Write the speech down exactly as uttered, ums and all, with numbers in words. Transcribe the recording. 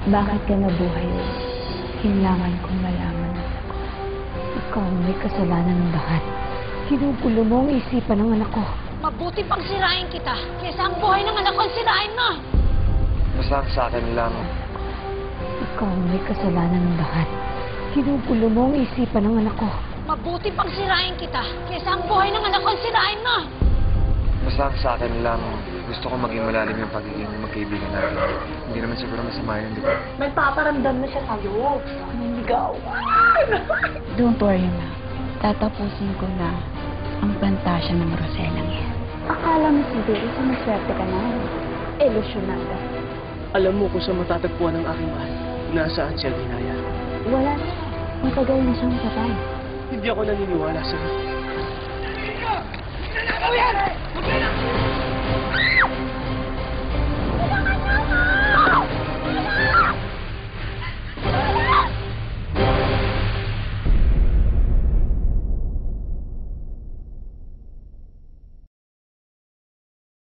Bakit ka nabuhay ulit? Kailangan kong malaman ang sagot. Ikaw ang may kasalanan ng lahat. Ginugulo mo ang isipan ng anak ko. Mabuti pang sirain kita kaysa ang buhay ng anak ko ang sirain mo! Basta ang sa akin lang, Ikaw ang may kasalanan ng lahat. Ginugulo mo ang isipan ng anak ko. Mabuti pang sirain kita kaysa ang buhay ng anak ko ang sirain mo! basta ang sa akin lang, gusto ko maging malalim yung pagiging magkaibigan natin. Hindi naman siguro masama yun, di ba? Nagpaparamdam na siya sa'yo. Naniligaw. Don't worry, ma. Tatapusin ko na ang plantasya ng Roselang yan. Akala mo siguro sa maswerte ka na. Ilusyonada. Alam mo kung saan matatagpuan ang aking mahal. Nasaan siya, Ginaya? Wala na siya. Matagal na siyang patay. Hindi ako naniniwala sa'yo. Ano yan?